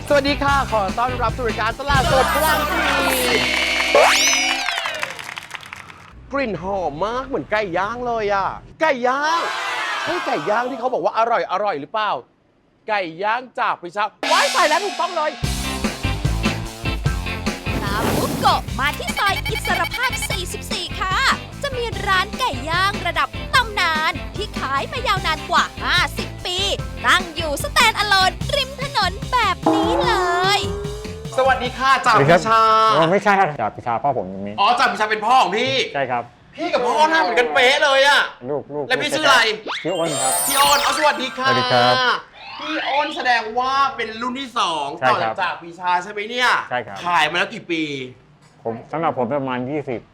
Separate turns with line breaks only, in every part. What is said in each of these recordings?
สวัสดีค่ะขอต้อนรับสู่รายการตลาดสดพลังดีกลิ่นหอมมากเหมือนไก่ย่างเลยอ่ะไก่ย่างใช่ไก่ย่างที่เขาบอกว่าอร่อยหรือเปล่าไก่ย่างจากพิชาว้ายใส่แล้วถูกต้องเลย
ตามบุกโกะมาที่ซอยอิสรภาพ 44 ค่ะ จะมีร้านไก่ย่างระดับตำนานที่ขายมายาวนานกว่า 50 ปี ตั้งอยู่สแตนด์อะโลนริมถนนแบบนี้เลย
สวัสดีค่ะจากพิชา
ไม่ใช่ครับจากพิชาพ่อผมตรงนี้
อ๋อจากพิชาเป็นพ่อของพี่
ใช่ครับ
พี่กับพ่อหน้าเหมือนกันเป๊ะเลยอ่ะ
ลูก
แล้วพี่ชื่ออะไร
ชื่ออ้นครับ
พี่อ้นสวัสดีค่ะ
สวัสดีครับ
พี่อ้นแสดงว่าเป็นรุ่นที่2ต่อจากพิชาใช่ไหมเนี่ย
ใช่ครับ
ขายมาแล้วกี่ปี
สำหรับผมประมาณ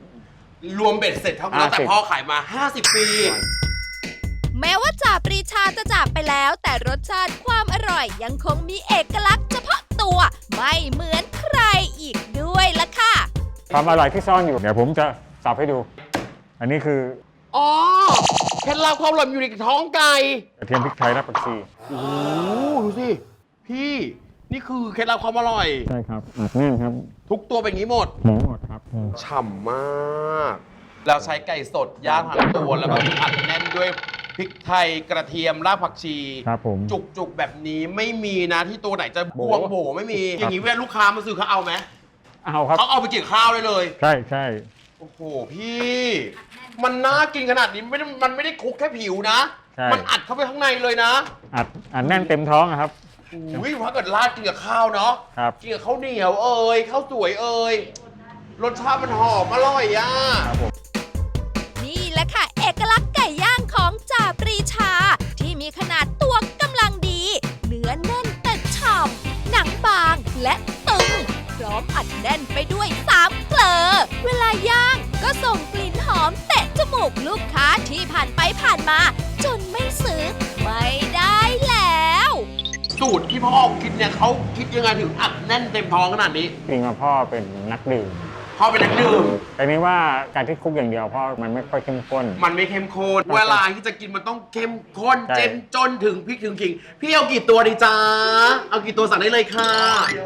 20
รวมเบ็ดเสร็จเท่ากันแต่พ่อขายมา50 ปี
แม้ว่าจ่าปรีชาจะจากไปแล้วแต่รสชาติความอร่อยยังคงมีเอกลักษณ์เฉพาะตัวไม่เหมือนใครอีกด้วยล่ะค่ะ
ความอร่อยที่ซ่อนอยู่เดี๋ยวผมจะสับให้ดูอันนี้คือ
อ๋อเคล็ดลับความอร่อยอยู่ในท้องไก่
กระเทียมพริกไทยและผักชี
โอ้ดูสิพี่นี่คือเคล็ดลับความอร่อย
ใช่ครับอัดแน่นครับ
ทุกตัวเป็นอย่างนี้หมด
ครับ
ฉ่ำมากเราใช้ไก่สดย่างทั้งตัวแล้วก็อัดแน่นด้วยพริกไทยกระเทียมรากผักชี
ครับผม
จุกแบบนี้ไม่มีนะที่ตัวไหนจะบวงโบไม่มีอย่างนี้เวลาลูกค้ามาซื้อเขาเอาไหม
เอาครับ
เขาเอาไปกินข้าวได้เลย
ใช่
โอ้โหพี่มันน่ากินขนาดนี้มันไม่ได้คลุกแค่ผิวนะมันอัดเข้าไปข้างในเลยนะ
อัดแน่นเต็มท้องครับ
อุ้ยถ้าเกิดราดกินกับข้าวเนาะกินกับข้าวเหนียวข้าวสวยรสชาติมันหอมอร่อยอ่ะ
นี่แหละค่ะเอกลักษณ์ไก่ย่างของจ่าปรีชาที่มีขนาดตัวกำลังดีเนื้อแน่นแต่ฉ่ำหนังบางและตึงพร้อมอัดแน่นไปด้วย3เกลอเวลาย่างก็ส่งกลิ่นหอมเตะจมูกลูกค้าที่ผ่านไปผ่านมาจนไม่ซื้อไม่ได้แล้ว
สูตรที่พ่อคิดเนี่ยเขาคิดยังไงถึงอัดแน่นเต็มท้องขนาดนี้
จริงๆพ่อเป็นนักดื่ม
พ่อเป็นนักดื่ม
แต่นี้ว่าการที่คลุกอย่างเดียวพ่อมันไม่ค่อยเข้มข้น
มันไม่เข้มข้นเวลาที่จะกินมันต้องเข้มข้นเจ้มจนถึงพริกถึงขิงพี่เอากี่ตัวดีจ้าเอากี่ตัวสั่งได้เลยค่ะ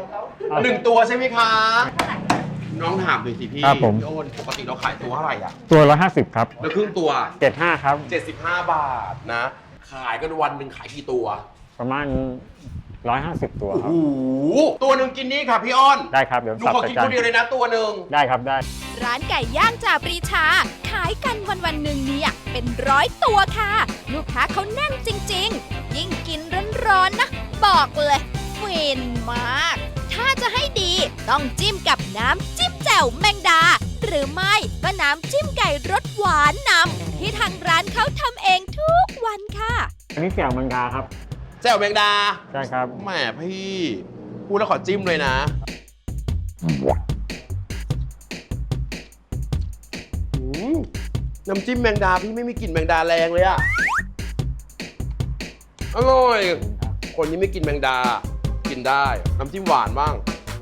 1 ตัวใช่ไหมคะน้องถามหน่อยสิพี่พี่โอนปกติเราขายตัวเท่าไหร่อ่ะ
ตัว150ครับ
แล้วครึ่งตัว
75ครับ
75 บาทนะขายกันวันหนึ่งขายกี่ตัว
ประมาณ150 ตัวครับ
โอ้โหตัวหนึ่งกินนี้ค่ะพี่อ้อน
ได้ครับเดี๋ยว
หนูขอกินคนเดียวเลยนะตัวหนึ่ง
ได้ครับได้
ร้านไก่ย่างจ่าปรีชาขายกันวันหนึ่งเนี่ยเป็น100 ตัวค่ะลูกค้าเขาแน่นจริงๆยิ่งกินร้อนๆนะบอกเลยฟินมากถ้าจะให้ดีต้องจิ้มกับน้ำจิ้มแจ่วแมงดาหรือไม่ก็น้ำจิ้มไก่รสหวานนำที่ทางร้านเขาทำเองทุกวันค่ะ
อันนี้แจ่วแมงดาครับ
แจ่วแมงดา
ใช่ครับ
แหมพี่พูดแล้วขอจิ้มเลยนะน้ำจิ้มแมงดาพี่ไม่มีกลิ่นแมงดาแรงเลยอะอร่อยคนนี้ไม่กินแมงดากินได้น้ำจิ้มหวานบ้าง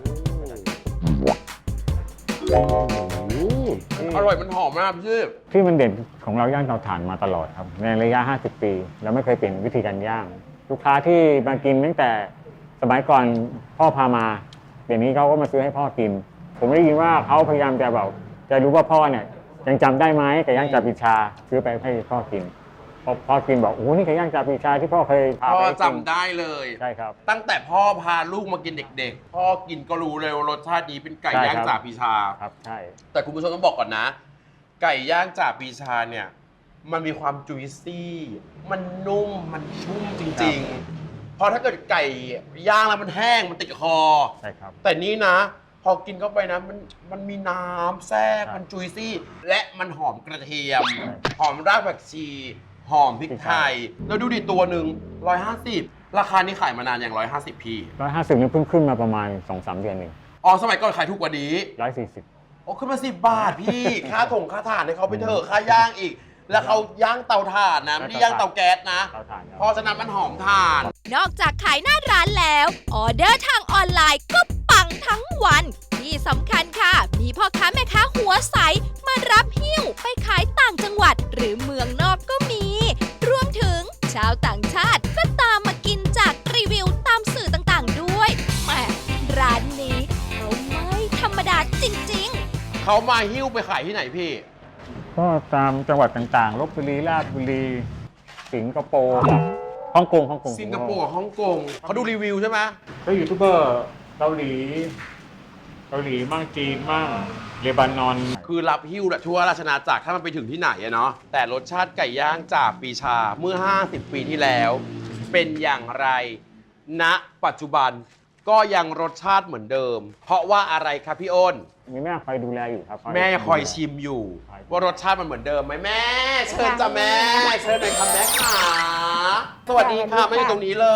อร่อยมันหอมมากพี่
ที่มันเด่นของเราย่างเตาถ่านมาตลอดครับในระยะ50 ปีเราไม่เคยเปลี่ยนวิธีการย่างลูกค้าที่มากินตั้งแต่สมัยก่อนพ่อพามาเดี๋ยวนี้เขาก็มาซื้อให้พ่อกินผมได้ยินว่าเขาพยายามจะแบบจะรู้ว่าพ่อเนี่ยยังจำได้ไหมไก่ย่างจ่าปรีชาซื้อไปให้พ่อกินพ่อกินบอกโอ้นี่ไก่ย่างจ่าปรีชาที่พ่อเคยพาไป
พ่อจำได้เลย
ใช่ครับ
ตั้งแต่พ่อพาลูกมากินเด็กๆพ่อกินก็รู้เลยว่ารสชาตินี้เป็นไก่ย่างจ่าปรีชา
ครับใช่
แต่คุณผู้ชมต้องบอกก่อนนะไก่ย่างจ่าปรีชาเนี่ยมันมีความจุยซี่มันนุ่มมันชุ่มจริงๆพอถ้าเกิดไก่ย่างแล้วมันแห้งมันติดคอ
ใช่ครับ
แต่นี้นะพอกินเข้าไปนะมันมีน้ำแทรกมันจุยซี่และมันหอมกระเทียมหอมรากผักชีหอมพริกไทยแล้วดูดิตัวหนึ่ง150ราคานี้ขายมานานอย่าง150พี่
150นี่เพิ่งขึ้นมาประมาณ 2-3 เดือนเอง
อ๋อสมัยก่อนขายถูกกว่านี้
140
โอ้ขึ้นมา10 บาทพี่ค่าถ่านให้เขาไปเถอะค่าย่างอีกแล้วเขาย่างเตาถ่านนะไม่ได้ย่างเตาแก๊สนะเพราะฉะนั้นมันหอมถ่าน
นอกจากขายหน้าร้านแล้วออเดอร์ทางออนไลน์ก็ปังทั้งวันที่สำคัญค่ะมีพ่อค้าแม่ค้าหัวใสมารับหิ้วไปขายต่างจังหวัดหรือเมืองนอกก็มีรวมถึงชาวต่างชาติก็ตามมากินจากรีวิวตามสื่อต่างๆด้วยแหม
เขามาหิ้วไปขายที่ไหนพี่
ก็ตามจังหวัดต่างๆลบบุรีราชบุรี สิงคโปร์ฮ่องกง
สิงคโปร์กับฮ่องกงเขาดูรีวิวใช่ไหม
ก็ยูทูบเบอร์เกาหลีมั่งจีนมั่งเลบานอน
คือรับหิ้วทั่วราชอาณาจักรถ้ามันไปถึงที่ไหนอะเนาะแต่รสชาติไก่ย่างจากปีชาเมื่อ 50 ปีที่แล้ว เป็นอย่างไรณปัจจุบันก็ยังรสชาติเหมือนเดิม เพราะว่าอะไรครับพี่อ้น
มีแม่คอยดูแลอยู่ครับ
แม่คอยชิมอยู่ ว่ารสชาติมันเหมือนเดิมไหมแม่ เชิญจ้ะแม่เชิญหน่อยค่ะแม่ขาสวัสดีค่ะแม่อยู่ตรงนี้เลย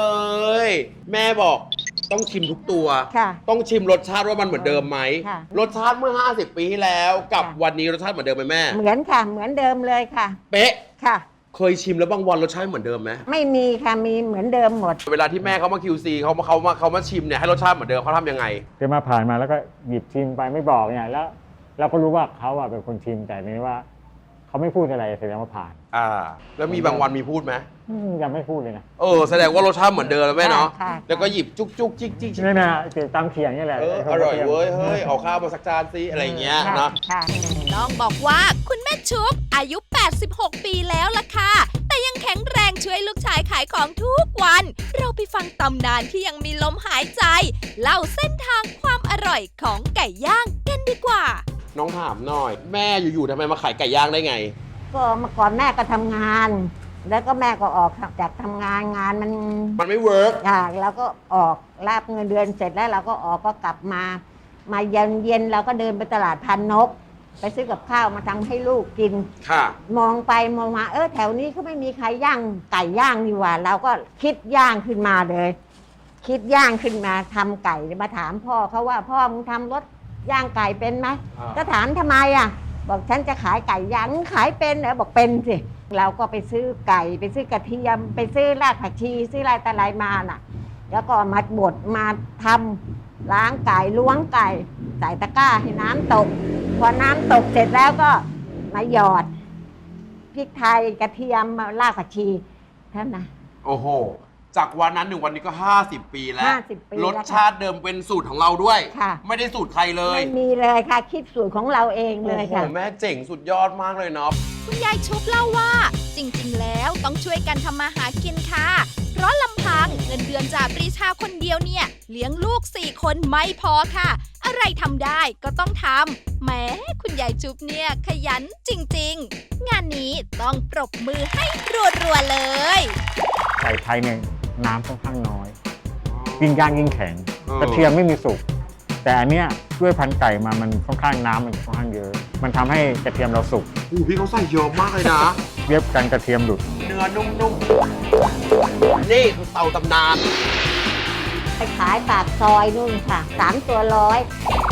แม่บอกต้องชิมทุกตัว
ค่ะ
ต้องชิมรสชาติว่ามันเหมือนเดิมไหม
ค่ะ
รสชาติเมื่อ 50 ปีที่แล้วกับ
ค่ะ
วันนี้รสชาติเหมือนเดิมไหมแม่
เหมือนค่ะ เหมือนเดิมเลยค่ะ
เป๊ะ
ค่ะ
เคยชิมแล้วบางวันรสชาติเหมือนเดิมไหม
ไม่มีค่ะ มีเหมือนเดิมหมด
เวลาที่แม่เขามา QC เขามาชิมเนี่ยให้รสชาติเหมือนเดิมเขาทำยังไง
เดินมาผ่านมาแล้วก็หยิบชิมไปไม่บอกเนี่ยแล้วเราก็รู้ว่าเขาอะเป็นคนชิมแต่นี่ว่าเขาไม่พูดอะไรแสดงว่าผ่าน
แล้วมีบางวันมีพูดไหม
ยังไม่พูดเลยนะ
แสดงว่ารสชาติเหมือนเดิมแล้วแม่เนาะ
ค่ะ
แล้วก็หยิบจุกจุกจิกจิก
นี่นะตามเขียงนี่แหละ
อร่อยเว้ย เฮ้ย เอาข้าวมาสักจานสิอะไรอย่างเงี้ย
ค่ะ
เนาะ
ค่ะ
ต้องบอกว่าคุณแม่ชุบอายุ 86 ปีแล้วล่ะค่ะ แต่ยังแข็งแรงช่วยลูกชายขายของทุกวัน เราไปฟังตำนานที่ยังมีลมหายใจ เล่าเส้นทางความอร่อยของไก่ย่างกันดีกว่า
น้องถามหน่อย แม่อยู่ๆทำไมมาขายไก่ย่างได้ไง
ก็เมื่อก่อนแม่ก็ทำงาน แล้วก็แม่ก็ออกจากทำงานมัน
มันไม่เวิร์ก
ค่ะแล้วก็ออกรับเงินเดือนเสร็จแล้วเราก็ออกก็กลับมา มาเย็นเราก็เดินไปตลาดพันนก ไปซื้อกับข้าวมาทำให้ลูกกิน
ค่ะ
มองไปมองมาแถวนี้เขาไม่มีใครย่างไก่ย่างนี่หว่า เราก็คิดย่างขึ้นมาเลย คิดย่างขึ้นมาทำไก่มาถามพ่อเขาว่าพ่อมึงทำรถย่างไก่เป็นไหม ก็ถามทำไมอ่ะ บอกฉันจะขายไก่ย่างขายเป็นเหรอบอกเป็นสิเราก็ไปซื้อไก่ไปซื้อกระเทียมไปซื้อรากผักชีซื้ออะไรต่ออะไรมาน่ะ แล้วก็มาบดมาทำล้างไก่ล้วงไก่ใส่ตะกร้าให้น้ำตก พอน้ำตกเสร็จแล้วก็มาหยอดพริกไทยกระเทียมรากผักชีเท่านั้นนะ
โอ้โห จากวันนั้นถึงวันนี้ก็ 50 ปีแล้ว
50 ปีแล้ว
รสชาติเดิมเป็นสูตรของเราด้วย
ค่ะ
ไม่ได้สูตรใครเลย
ไม่มีเลยค่ะคิดสูตรของเราเองเลย
โอ้โห
ค่ะ
แม่เจ๋งสุดยอดมากเลยเนาะ
คุณยายชุบเล่าว่า จริงๆ แล้วต้องช่วยกันทำมาหากินค่ะ เพราะลำพังเงินเดือนจากปรีชาคนเดียวเนี่ย เลี้ยงลูก 4 คนไม่พอค่ะ อะไรทำได้ก็ต้องทำแหม้คุณยายชุบเนี่ยขยันจริงๆ งานนี้ต้องปรบมือให้รัวๆเลย
ไก่ไทยเนี่ยน้ำค่อนข้างน้อย ยิ่งย่างยิ่งแข็ง
เออ
กระเทียมไม่มีสุก แต่อันเนี้ยด้วยพันธุ์ไก่มามันค่อนข้างน้ำมันค่อนข้างเยอะ มันทำให้กระเทียมเราสุก
พี่เขาใส่เยอะมากเลยนะ
เรียบกันกระเทียมหลุด
เนื้อนุ่มๆ นี่คือเตาตำนาน
ไปขายปากซอยนู่นค่ะ3 ตัว100